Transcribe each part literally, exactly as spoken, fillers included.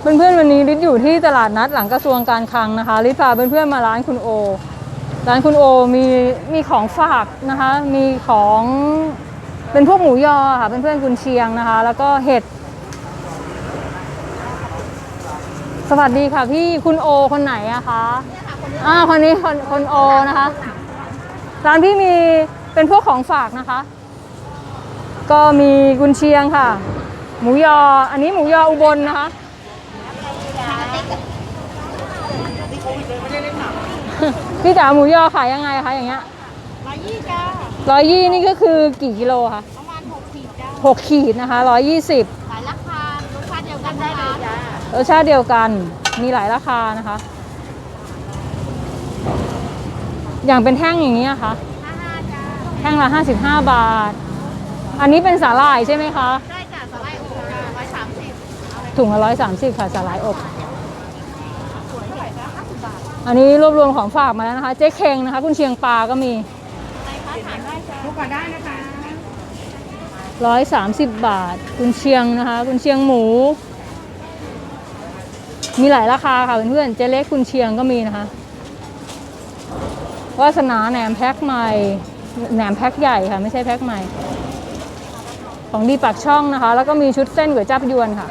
เพื่อนๆวันนี้ลิศอยู่ที่ตลาดนัดหลังกระทรวงการคลังนะคะลิศพาเพื่อนๆมาร้านคุณโอร้านคุณโอมีมีของฝากนะคะมีของเป็นพวกหมูยอค่ะเพื่อนๆกุนเชียงนะคะแล้วก็เห็ดสวัสดีค่ะพี่คุณโอคนไหนอะคะอ่าคนนี้คนคนโอนะคะร้านพี่มีเป็นพวกของฝากนะคะก็มีกุนเชียงค่ะหมูยออันนี้หมูยออุบลนะคะพี่จ๋าหมูยอขายยังไงคะอย่างเงี้ยร้อยยี่จ้าร้อยยี่นี่ก็คือกี่กิโลคะประมาณหกขีดจ้าหกขีดนะคะร้อยยี่สิบหลายราคารสชาติเดียวกันได้เลยจ้ารสชาติเดียวกันมีหลายราคานะคะอย่างเป็นแท่งอย่างนี้นะคะห้าห้าจ้าแท่งละห้าสิบห้าบาทอันนี้เป็นสาหร่ายใช่ไหมคะได้จ้าสไลด์อบจ้าร้อยสามสิบถุงละร้อยสามสิบค่ะสาหร่ายอบอันนี้รวบรวมของฝากมาแล้วนะคะเจ๊เค็งนะคะคุณเชียงปลาก็มีทุกคนได้นะคะร้อยสามสิบบาทคุณเชียงนะคะคุณเชียงหมูมีหลายราคาค่ะเพื่อนๆเจ๊เล็กคุณเชียงก็มีนะคะวาสนาแหนมแพ็คใหม่แหนมแพ็คใหญ่ค่ะไม่ใช่แพ็คใหม่ของดีปากช่องนะคะแล้วก็มีชุดเส้นก๋วยจั๊บยวนค่ะ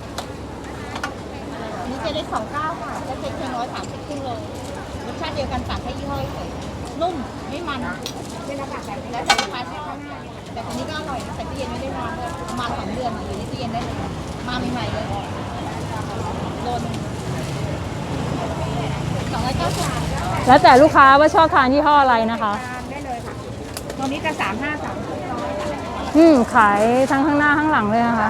นี่เจ๊เล็กสองเก้าค่ะเจ๊เค็งเพียงร้อยสามสิบครึ่งโลรสชาติเดียวกันต่างแค่ยี่ห้อเฉยนุ่มไม่มันเป็นราคาแบบนี้แล้วแต่ลูกค้าใช้ข้างหน้าแต่คนนี้ก็อร่อยใส่ตู้เย็นไม่ได้นานเลยประมาณสองเดือนอยู่ในตู้เย็นได้เลยมาใหม่ๆเลยโลนสองร้อยเก้าสิบแล้วแต่ลูกค้าว่าชอบทานยี่ห้ออะไรนะคะได้เลยค่ะตรงนี้จะสามห้าสามอืมขายทั้งข้างหน้าข้างหลังเลยนะคะ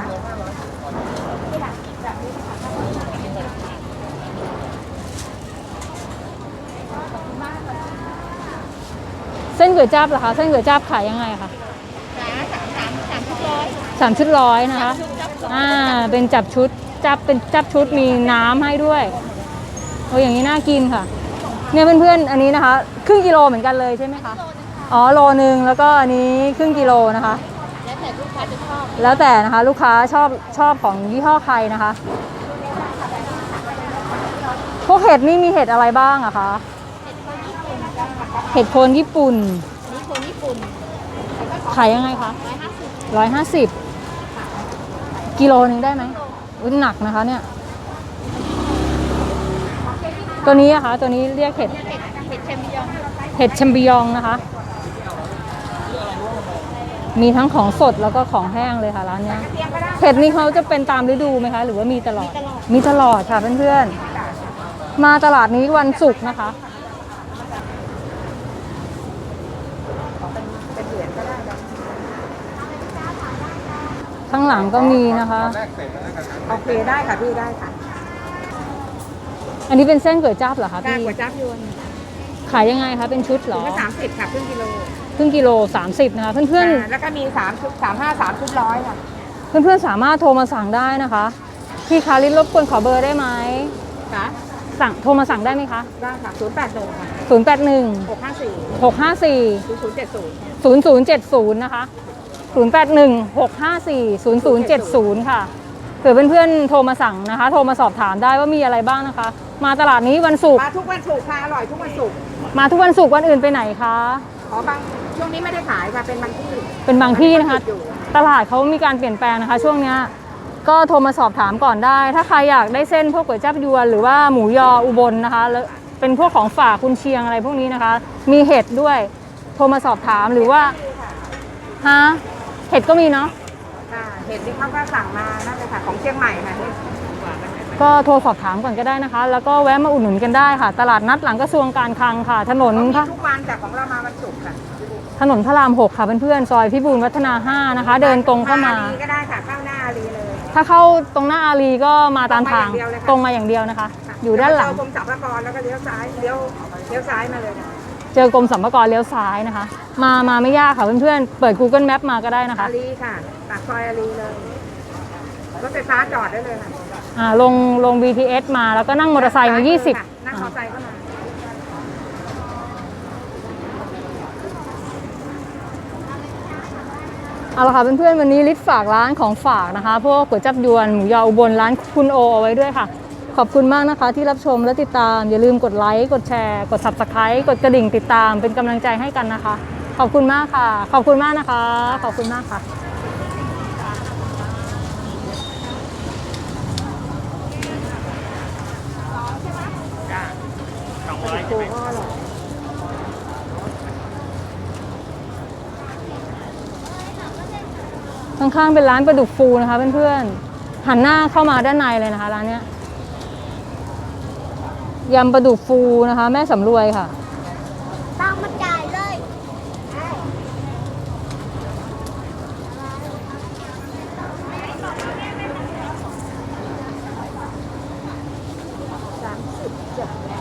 เส้นก๋วยจั๊บเหรอคะเส้นก๋วยจั๊บขายยังไงคะสามสามสามชุดร้อยสามชุดร้อยนะคะอ่าเป็นจับชุดจับเป็นจับชุดมีน้ำให้ด้วยโอ้อย่างนี้น่ากินค่ะเนี่ยเพื่อนๆอันนี้นะคะครึ่งกิโลเหมือนกันเลยใช่ไหมคะอ๋อโลนึงแล้วก็อันนี้ครึ่งกิโลนะคะแล้วแต่ลูกค้าจะชอบแล้วแต่นะคะลูกค้าชอบชอบของยี่ห้อใครนะคะพวกเห็ดนี่มีเห็ดอะไรบ้างอะคะเห็ดโคนญี่ปุ่นนี่โคนญี่ปุ่นขายยังไงคะร้อยห้าสิบร้อยห้าสิบกิโลนึงได้ไหมอุ้ยหนักนะคะเนี่ยตัวนี้อะคะตัวนี้เรียกเห็ดเห็ดเห็ดเชมบิยองเห็ดแชมปิญองนะคะมีทั้งของสดแล้วก็ของแห้งเลยค่ะร้านนี้เห็ดนี้เขาจะเป็นตามฤดูไหมคะหรือว่ามีตลอดมีตลอดค่ะเพื่อนๆมาตลาดนี้วันศุกร์นะคะข้างหลังก็มีนะคะโอเคได้ค่ะพี่ได้ค่ะอันนี้เป็นเส้นก๋วยจั๊บเหรอคะพี่ก๋วยจั๊บยวนขายยังไงคะเป็นชุดเหรอสามสิบค่ะครึ่งกิโลครึ่งกิโลสามสิบนะคะเพื่อนๆแล้วก็มีสามชุดสามห้าสามชุดร้อยค่ะเพื่อนๆสามารถโทรมาสั่งได้นะคะพี่คาริสรบกวนขอเบอร์ได้ไหมค่ะสั่งโทรมาสั่งได้ไหมคะได้ค่ะศูนย์แปดหนึ่งค่ะศูนย์แปดหนึ่งหกห้าสี่หกห้าสี่ศูนย์ศูนย์เจ็ดศูนย์ศูนย์ศูนย์เจ็ดศูนย์นะคะศูนย์แปดหนึ่งหกห้าสี่ศูนย์ศูนย์เจ็ดศูนย์ค่ะเผื่อเพื่อนๆโทรมาสั่งนะคะโทรมาสอบถามได้ว่ามีอะไรบ้างนะคะมาตลาดนี้วันศุกร์มาทุกวันศุกร์ค่ะอร่อยทุกวันศุกร์มาทุกวันศุกร์วันอื่นไปไหนคะอ๋อบางช่วงนี้ไม่ได้ขายค่ะเป็นบางที่เป็นบางที่นะคะตลาดเขามีการเปลี่ยนแปลงนะคะช่วงนี้ก็โทรมาสอบถามก่อนได้ถ้าใครอยากได้เส้นพวกก๋วยจั๊บยวนหรือว่าหมูยออุบลนะคะแล้วเป็นพวกของฝากกุนเชียงอะไรพวกนี้นะคะมีเห็ดด้วยโทรมาสอบถามหรือว่าฮะเห็ดก็มีเนาะเห็ดที่เขาก็สั่งมาน่าจะค่ะของเชียงใหม่ค่ะก็โทรสอบถามก่อนก็ได้นะคะแล้วก็แวะมาอุดหนุนกันได้ค่ะตลาดนัดหลังกระทรวงการคลังค่ะถนนพระทุกวันแต่ของเรามาวันศุกร์ค่ะถนนพระรามหกค่ะเพื่อนๆซอยพิบูลวัฒนาห้านะคะเดินตรงเข้ามาก็ได้ค่ะเข้าหน้าอารีเลยถ้าเข้าตรงหน้าอารีก็มาตามทางตรงมาอย่างเดียวนะคะอยู่ด้านหลังกรมสรรพากรแล้วก็เลี้ยวซ้ายเลี้ยวเลี้ยวซ้ายมาเลยเจอกรมสรรพากรเลี้ยวซ้ายนะคะมามาไม่ยากค่ะเพื่อนๆเปิด กูเกิล แมป มาก็ได้นะคะอารีค่ะปากซอยอารีเลยรถไฟฟ้าจอดได้เลยค่ะอ่าลงลง บี ที เอส มาแล้วก็นั่งมอเตอร์ไซค์มายี่สิบนั่งมอเตอร์ไซค์เข้ามาเอาละค่ะเพื่อนๆวันนี้ลิศฝากร้านของฝากนะคะพวกก๋วยจับยวนหมูยออุบลร้านคุณโอเอาไว้ด้วยค่ะขอบคุณมากนะคะที่รับชมและติดตามอย่าลืมกดไลค์กดแชร์กด ซับสไครบ์ กดกระดิ่งติดตามเป็นกำลังใจให้กันนะคะขอบคุณมากค่ะ ขอบคุณมากนะคะ ขอบคุณมากค่ะข้างๆเป็นร้านปลาดุกฟูนะคะเพื่อนๆหันหน้าเข้ามาด้านในเลยนะคะร้านเนี้ยยำปลาดุกฟูนะคะแม่สำรวยค่ะตามมาจ่ายเลยสามสิบจบแล้ว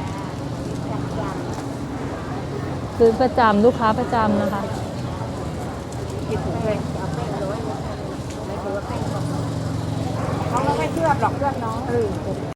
ซื้อประจำลูกค้าประจำนะคะหยิบถุงเลยเอาแป้งร้อยไม่ถือว่าแป้งเขาไม่เคลือบหรอกเคลือบน้อง